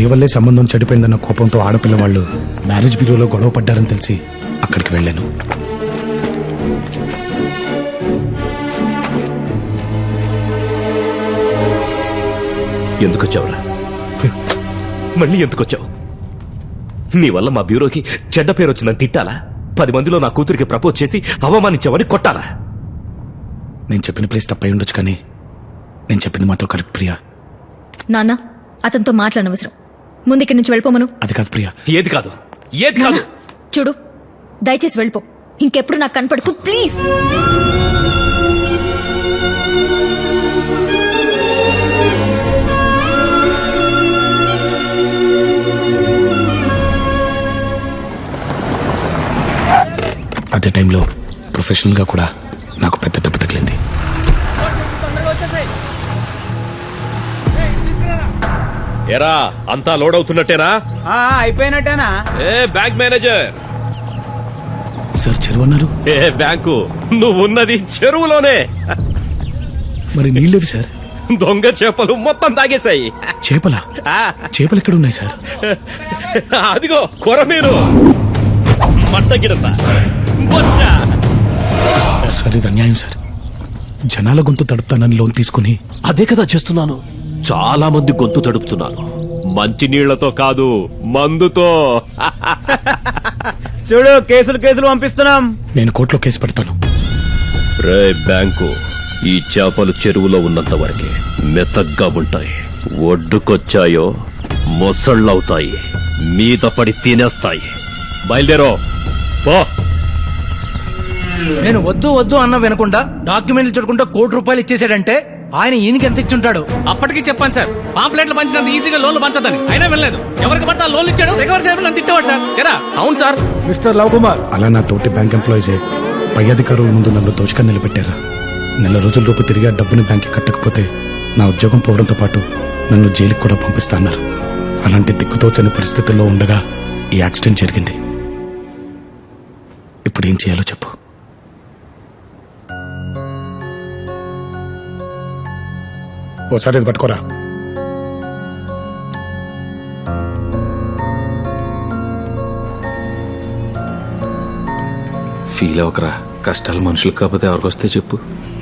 వల్లే సంబంధం చెడిపోయిందన్న కోపంతో ఆడపిల్ల వాళ్ళు మ్యారేజ్ బ్యూరోలో గొడవ పడ్డారని తెలిసి అక్కడికి వెళ్ళాను. ఎందుకొచ్చావురా? మళ్ళీ ఎందుకొచ్చావు? నీ వల్ల మా బ్యూరోకి చెడ్డ పేరు వచ్చిందని తిట్టాలా? 10 మందిలో నా కూతురికి ప్రపోజ్ చేసి అవమానించావని కొట్టాలా? నేను చెప్పిన ప్లేస్ తప్పై ఉండొచ్చు, కానీ నేను చెప్పింది మాత్రం కరెక్ట్ ప్రియా. నాన్న, అతనితో మాట్లాడనవసరం. ముందు ఇక్కడి నుంచి వెళ్ళిపోమను. అది కాదు ప్రియా. ఏది కాదు, ఏది కాదు? చూడు, దయచేసి వెళ్ళిపో. ఇంకెప్పుడు నాకు కనపడకు ప్లీజ్. అదే టైంలో ప్రొఫెషనల్ గా కూడా నాకు పెద్ద దెబ్బ తగిలింది. ఎరా, అంతా లోడ్ అవుతున్నట్టేనా? అయిపోయినట్టేనా? ఏ బ్యాంక్ మేనేజర్. సార్ చెరువు అన్నారు. ఏ బ్యాంకు? నువ్వున్నది చెరువులోనే. మరి నీళ్ళేవి సార్? దొంగ చేపలు మొత్తం తాగేశాయి. చేపలా? చేపలు ఎక్కడ ఉన్నాయి సార్? అదిగో కొరమీను, మట్టగిడస, బొచ్చ. సార్ ఇది అన్యాయం సార్. జనాల గొంతు తడుపుతానని లోన్ తీసుకుని అదే కదా చేస్తున్నాను. చాలా మంది గొంతు తడుపుతున్నాను. మంచి నీళ్లతో కాదు, మందుతో. చూడు, కేసులు పంపిస్తున్నాం. నేను కోర్టులో కేసు పెడతాను. రే బ్యాంకు, ఈ చేపలు చెరువులో ఉన్నంత వరకే మెత్తగ్గా ఉంటాయి. ఒడ్డుకొచ్చాయో మొసళ్ళవుతాయి, మీద పడి తినేస్తాయి. బయలుదేరో పో. నేను వద్దు అన్న వినకుండా డాక్యుమెంట్లు చూడకుండా ₹1,00,00,000 ఇచ్చేసాడంటే ఆయన ఈయనకి ఎంత ఇచ్చుంటాడు? అప్పటికి చెప్పాను సార్, పాంప్లెట్లు పంచినంత ఈజీగా లోన్లు పంచదని. అయినా వెళ్ళలేదు. ఎవరికి పట్ట లోన్లు ఇచ్చాడు, రికవర్ చేయడం నన్ను తిట్టేవాడు సార్. కదా? అవును సార్. మిస్టర్ లవ్ కుమార్, అలా నా తోటి బ్యాంక్ ఎంప్లాయీసే పై అధికారుల ముందు నన్ను దోచుకొని నిలబెట్టారా. 4 రోజుల రూపు తిరిగి ఆ డబ్బుని బ్యాంక్కి కట్టకపోతే నా ఉద్యోగం పోవడంతో పాటు నన్ను జైలుకి కూడా పంపిస్తాన్నారు. అలాంటి దిక్కుతోచని పరిస్థితుల్లో ఉండగా ఈ యాక్సిడెంట్ జరిగింది. ఇప్పుడు ఏం చేయాలో చెప్పు. ఓసారి ఇది పట్టుకోరా. ఫీల్ అవకరా, కష్టాలు మనుషులకు కాకపోతే ఎవరికి వస్తే చెప్పు.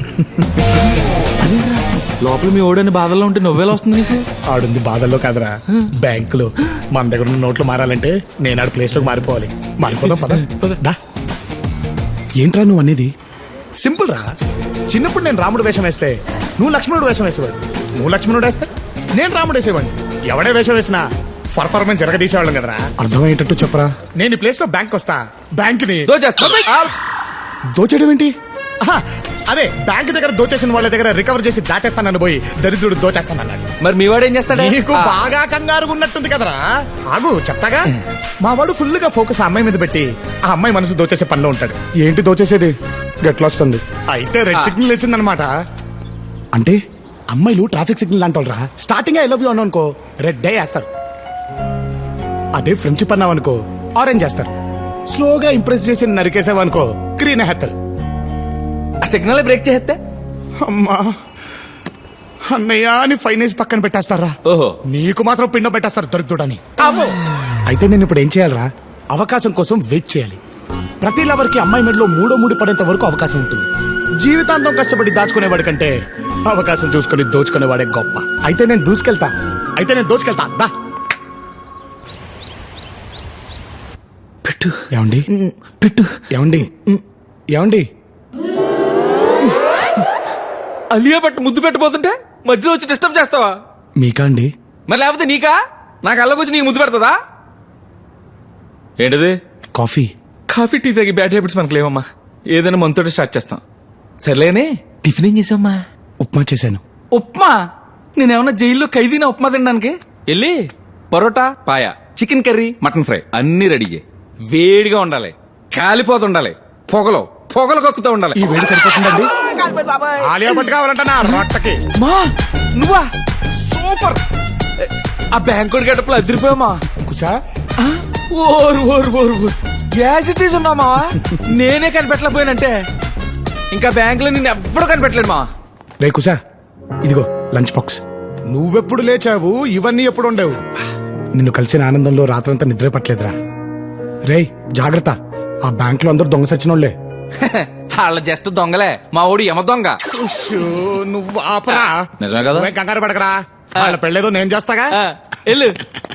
లోపల మీ ఓడని బాధల్లో ఉంటే నువ్వేలా వస్తుంది నీకు? ఆడుంది బాధల్లో కాదురా, బ్యాంకులో. మన దగ్గర ఉన్న నోట్లు మారాలంటే నేను ఆడ ప్లేస్ లోకి మారిపోవాలి. మారిపోదాం పద. దా. ఏంట్రా నువ్వు అనేది? సింపుల్ రా. చిన్నప్పుడు నేను రాముడు వేషం వేస్తే నువ్వు లక్ష్మణుడు వేషం వేసేవాడు. నువ్వు లక్ష్మణుడు వేస్తే నేను రాముడు వేసేవాడిని. ఎవడే వేషం వేసినా పర్ఫార్మెన్స్ జరగదీసేవాళ్ళం కదరా. అర్థమయ్యేటట్టు చెప్పరా. నేను ఈ ప్లేస్ లో బ్యాంక్ వస్తా, బ్యాంక్ ని దోచేయడం ఏంటి? అదే బ్యాంక్ దగ్గర దోచేసిన వాళ్ళ దగ్గర రికవర్ చేసి దాచేస్తానని పోయి దరిద్రుడు దోచేస్తానన్నాడు. మరి మీ వాడు ఏం చేస్తాడు? నీకు బాగా కంగారుగా ఉన్నట్టుంది కదరా. ఆగు చెప్తాగా. మా వాడు ఫుల్ గా ఫోకస్ ఆ అమ్మాయి మీద పెట్టి ఆ అమ్మాయి మనసు దోచేసే పనిలో ఉంటాడు. ఏంటి దోచేసేది? గట్లా వస్తుంది. అయితే రెడ్ సిగ్నల్ వేసిందనమాట. అంటే అమ్మాయిలు ట్రాఫిక్ సిగ్నల్ అంటారా. స్టార్టింగ్ ఐ లవ్ యూ అనుకో రెడ్ డే వేస్తారు. అదే ఫ్రెండ్షిప్ అన్నావనుకో ఆరెంజ్ చేస్తారు. స్లోగా ఇంప్రెస్ చేసి నరికేసావనుకో గ్రీన్ వేస్తారు. సిగ్నల్ బ్రేక్ చేస్తే అమ్మా అన్నయ్య అని ఫైనేజ్ పక్కన పెట్టేస్తారా. ఓహో, నీకు మాత్రం పిండం పెట్టేస్తారు దొరుకుతుడని. అయితే నేను ఇప్పుడు ఏం చేయాలరా? అవకాశం కోసం వెయిట్ చేయాలి. ప్రతి లవర్ కి అమ్మాయి మెడలో మూడో ముడి పడేంత వరకు అవకాశం ఉంటుంది. జీవితాంతం కష్టపడి దాచుకునేవాడి కంటే అవకాశం చూసుకుని దోచుకునేవాడే గొప్ప. అయితే నేను దూసుకెళ్తా. దా పెట్టు. ఏమండి? పెట్టు. ఏమండి? అలియా పట్టు ముద్దు పెట్టబోతుంటే మధ్యలో వచ్చి డిస్టర్బ్ చేస్తావా? మీకా అండి? మరి లేకపోతే నీకా? నాకు అల్లకొచ్చి నీకు ముద్దు పెడతదా? ఏంటిది? కాఫీ. కాఫీ టీ తాగి బ్యాడ్ హ్యాబిట్స్ మనకు లేవమ్మా. ఏదైనా మనతోటి స్టార్ట్ చేస్తాం. సర్లేనే, టిఫిన్ ఏం చేసావమ్మా? ఉప్మా చేశాను. ఉప్మా? నేనేమన్నా జైల్లో ఖైదీనా ఉప్మా తినడానికి? వెళ్ళి parotta, paya, chicken curry, mutton fry అన్ని రెడీ చేయి. వేడిగా ఉండాలి, కాలిపోతుండాలి, పొగలు కక్కుతూ ఉండాలి. ఈ వేడి సరిపోతుందండి. ఆలియా భట్ కావాలంట నా రొట్టకి. మా నువ్వా? సూపర్. ఆ బ్యాంకుడి గడపలు అదిరిపోయామా? కుసా ఓరు గ్యాసిటీస్ ఉన్నామా? నేనే కనిపెట్టలేకపోయానంటే ఇంకా బ్యాంక్ లో నిన్ను ఎవ్వడూ కనిపెట్టలేడు మా. రే కుసా, ఇదిగో లంచ్ బాక్స్. నువ్వెప్పుడు లేచావు? ఇవన్నీ ఎప్పుడు ఉండేవు? నిన్ను కలిసిన ఆనందంలో రాత్రంతా నిద్ర పట్టలేదురా. రేయ్ జాగ్రత్త, ఆ బ్యాంక్ లో అందరూ దొంగ సచ్చినోళ్లే. వాళ్ళ జస్ట్ దొంగలే, మా ఊడి యమ దొంగ. నువ్వు ఆపరా. నిజమే కదా? నువ్వేం కంగారు పడకరా, వాళ్ళ పెళ్ళేదో నేను చేస్తాగా. ఆ, వెళ్ళు.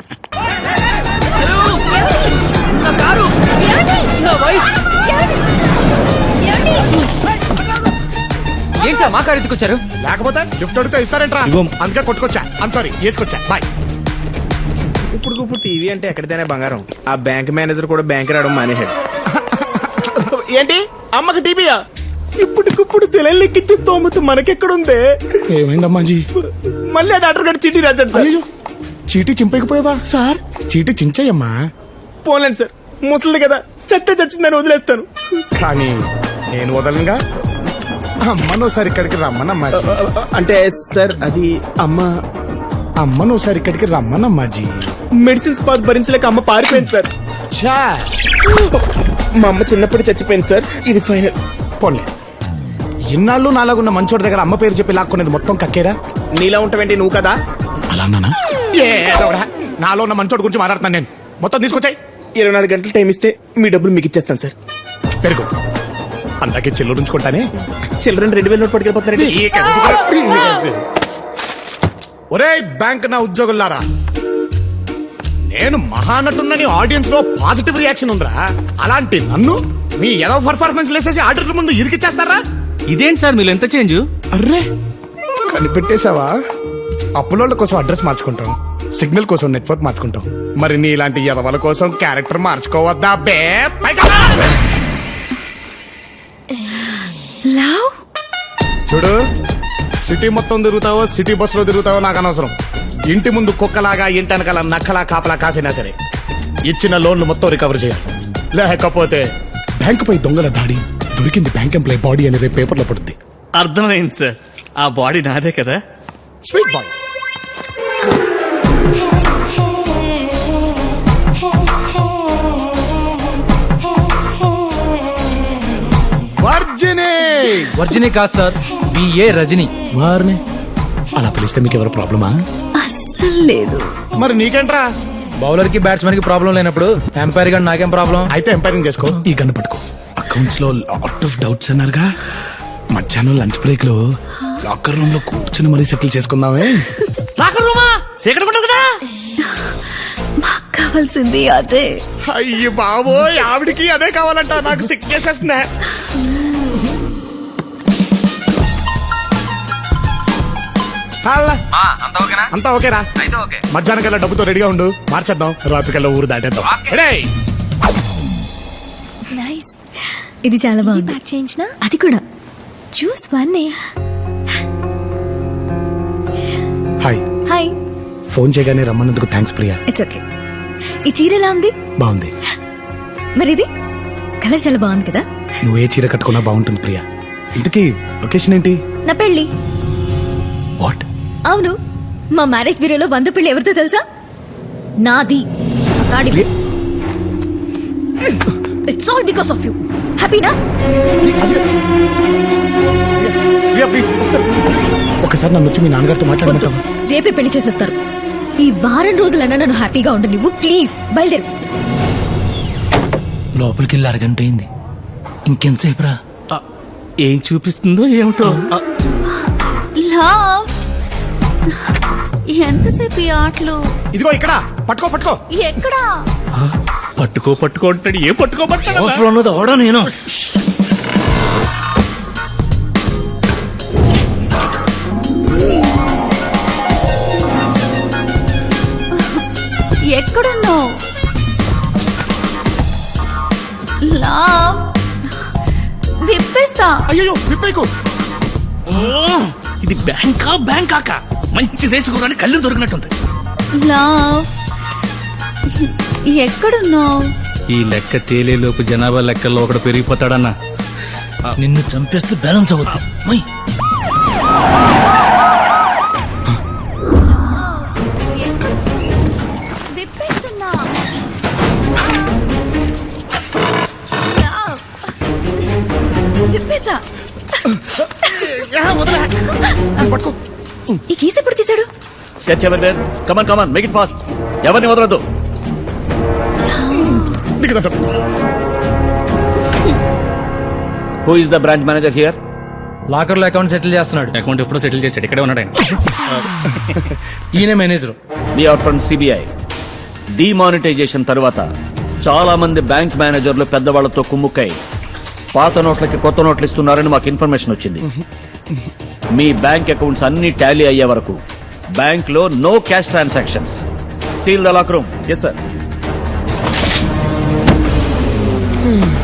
ఏంటి సార్ మా కారు ఎత్తుకొచ్చారు? లేకపోతే గిఫ్ట్ అడిగితే ఇస్తారేంట్రా? అందుకే కొట్టుకొచ్చా. సారీ వేసుకొచ్చా. బాయ్. ఇప్పుడు టీవీ అంటే ఎక్కడితేనే బంగారం. ఆ బ్యాంక్ మేనేజర్ కూడా బ్యాంక్ రావడం మానేశాడు. ఏంటి అమ్మకి టీవీయా? ఇప్పటికిప్పుడు సెలైన్ ఎక్కించే స్తోమత మనకెక్కడుందే? ఏమైందమ్మా జీ? మళ్ళీ ఆ డాక్టర్ గారు చీటీ రాశాడు సార్. అయ్యో, చీటీ చింపకపోయావా సార్? చీటీ చించేయమ్మా. పోలేండి సార్, ముసలిది కదా, చెత్త చచ్చిందని వదిలేస్తాను. కానీ నేను వదలనుగా. అమ్మను ఒకసారి ఇక్కడికి రమ్మనమ్మా. అంటే సార్ అది అమ్మను ఒకసారి ఇక్కడికి రమ్మనమ్మా జీ. మెడిసిన్స్ పాత్ భరించలేక అమ్మ పారిపోయింది సార్. ఛా, మా అమ్మ చిన్నప్పుడు చచ్చిపోయింది సార్. ఇది ఫైనల్. పోన్లే, ఇన్నాళ్ళు నాలాగున్న మంచోడి దగ్గర అమ్మ పేరు చెప్పి లాక్కునేది మొత్తం కక్కేరా. నీలా ఉంటావేంటి నువ్వు కదా? అలా అన్నానా? నాలో ఉన్న మంచోడి గురించి మాట్లాడుతున్నాను నేను. మొత్తం తీసుకొచ్చాయి. 24 గంటలు టైం ఇస్తే మీ డబ్బులు మీకు ఇచ్చేస్తాను సార్. పెరుగు అందాకే చెల్లు ఉంచుకుంటానే. Children 2000 note పట్టుకెళ్ళిపోతున్నారండి. ఒరే బ్యాంక్ నా ఉద్యోగులారా, నేను మహానటున్నని ఆడియన్స్ లో పాజిటివ్ రియాక్షన్ ఉందిరా. అలాంటి నన్ను మీ ఏదో పర్ఫార్మెన్స్ లేసేసి ఆడిటర్ ముందు ఇరికిచ్చేస్తారా? ఇదేంటి సార్ మీరు ఎంత చేంజ్? అర్రే కనిపెట్టేశావా? అప్పులోళ్ళ కోసం అడ్రస్ మార్చుకుంటాం, సిగ్నల్ కోసం నెట్వర్క్ మార్చుకుంటాం. మరి నీ ఇలాంటి ఎదవల కోసం క్యారెక్టర్ మార్చుకోవద్దా బే? పైగా లవ్ చూడు, సిటీ మొత్తం తిరుగుతావో సిటీ బస్ లో తిరుగుతావో నాకు అనవసరం. ఇంటి ముందు కుక్కలాగా ఇంటి వెనకాల నక్కలా కాపలా కాసినా సరే ఇచ్చిన లోన్లు మొత్తం రికవర్ చేయాలి. లేకపోతే బ్యాంకు పై దొంగల దాడి, దొరికింది బ్యాంక్ ఎంప్లాయ్ బాడీ అని రేపు పేపర్లో పడుద్ది. అర్థమైంది సార్, ఆ బాడీ నాదే కదా. Sweet boy. వర్జిని కాదు సార్, బిఏ రజని. వారిని అలా పిలిస్తే మీకు ఎవరు ప్రాబ్లమా? అస్సలు లేదు. మరి నీకేంట్రా? బౌలర్ కి బ్యాట్స్మెన్ కి ప్రాబ్లం లేనప్పుడు ఎంపైర్ గా నాకేం ప్రాబ్లం? అయితే ఎంపైరింగ్ చేసుకో. ఈ గన్ను పట్టుకో. అకౌంట్స్ లో లాట్ ఆఫ్ డౌట్స్ అన్నారుగా, మధ్యాహ్నం లంచ్ బ్రేక్ లో లాకర్ రూమ్ లో కూర్చుని మరీ సెటిల్ చేసుకుందామే. లాకర్ రూమా? సీక్రెట్ ఉండదు కదా. మాకు కావాల్సింది అదే. అయ్యి బాబోయ్, ఆవిడికి అదే కావాలంట. నాకు సిక్కేసేస్తుందా? అంతా ఓకేరా? మధ్యాహ్నం కల్లా డబ్బుతో రెడీగా ఉండు, మార్చేద్దాం. రాత్రి కల్లా ఊరు దాటేద్దాం. రెడీ? నైస్. ఇది చాలా బాగుంది. ప్యాక్ చేయించిన అది కూడా జ్యూస్ వన్నే. హాయ్. హాయ్. ఫోన్ చేయగానే రమ్మన్నందుకు థ్యాంక్స్ ప్రియా. It's okay. ఈ చీర ఎలా ఉంది? బాగుంది. మరి ఇది కలర్ చాలా బాగుంది కదా. నువ్వు ఏ చీర కట్టుకున్నా బాగుంటుంది ప్రియా. ఇంతకీ లొకేషన్ ఏంటి? నా పెళ్లి. వాట్? అవును, మా మ్యారేజ్ బ్యూరోలో 100 పెళ్లి ఎవరితో తెలుసా? నాది. It's all because of you. హ్యాపీనా? ప్రియా ప్లీజ్ ఒకసారి నన్ను వచ్చి మీ నాన్నగారితో మాట్లాడమంటావా? రేపే పెళ్లి చేసేస్తారు. ఈ వారం రోజులన్నా నన్ను హ్యాపీగా ఉండు నువ్వు. ప్లీజ్ బయలుదేరు. లోపలికి వెళ్ళి అరగంట అయింది, ఇంకెంతసేపు రా? ఏం చూపిస్తుందో ఏమిటో. లవ్, ఎంతసేపు ఈ ఆటలు? ఇదిగో ఇక్కడ పట్టుకో. పట్టుకో. ఎక్కడా? పట్టుకో అంటాడు. ఏ పట్టుకోబట్టాడు? లోపల ఉన్నది అవడా నేను. ఎక్కడున్నావు? లవ్, విప్పేస్తా. అయ్యో విప్పేకు. ఇది బ్యాంకాకా మంచి దేశకురాని కళ్ళు దొరికినట్టుంది. లవ్, ఎక్కడున్నావు? ఈ లెక్క తేలేలోపు జనాభా లెక్కల్లో ఒకడు పెరిగిపోతాడన్నా. నిన్ను చంపేస్తే బ్యాలెన్స్ అవుతుంది. విప్పేస్తున్నా. విప్పేసా. పట్టుకో. ఈ కేసు ఎప్పుడు తీశాడు? Search everywhere. Come on come on, make it fast. ఎవరిని వదలొద్దు. Who is the branch manager here? Locker లో అకౌంట్ సెటిల్ చేస్తున్నాడు. అకౌంట్ ఎప్పుడో సెటిల్ చేశాడు, ఇక్కడే ఉన్నాడు ఆయన. ఈయన manager. We are from CBI. Demonetisation తరువాత చాలా మంది బ్యాంక్ మేనేజర్లు పెద్దవాళ్లతో కుమ్ముక్కై పాత నోట్లకి కొత్త నోట్లు ఇస్తున్నారని మాకు ఇన్ఫర్మేషన్ వచ్చింది. మీ బ్యాంక్ అకౌంట్స్ అన్ని టాలీ అయ్యే వరకు బ్యాంక్ లో no cash transactions. Seal the lock room. Yes sir.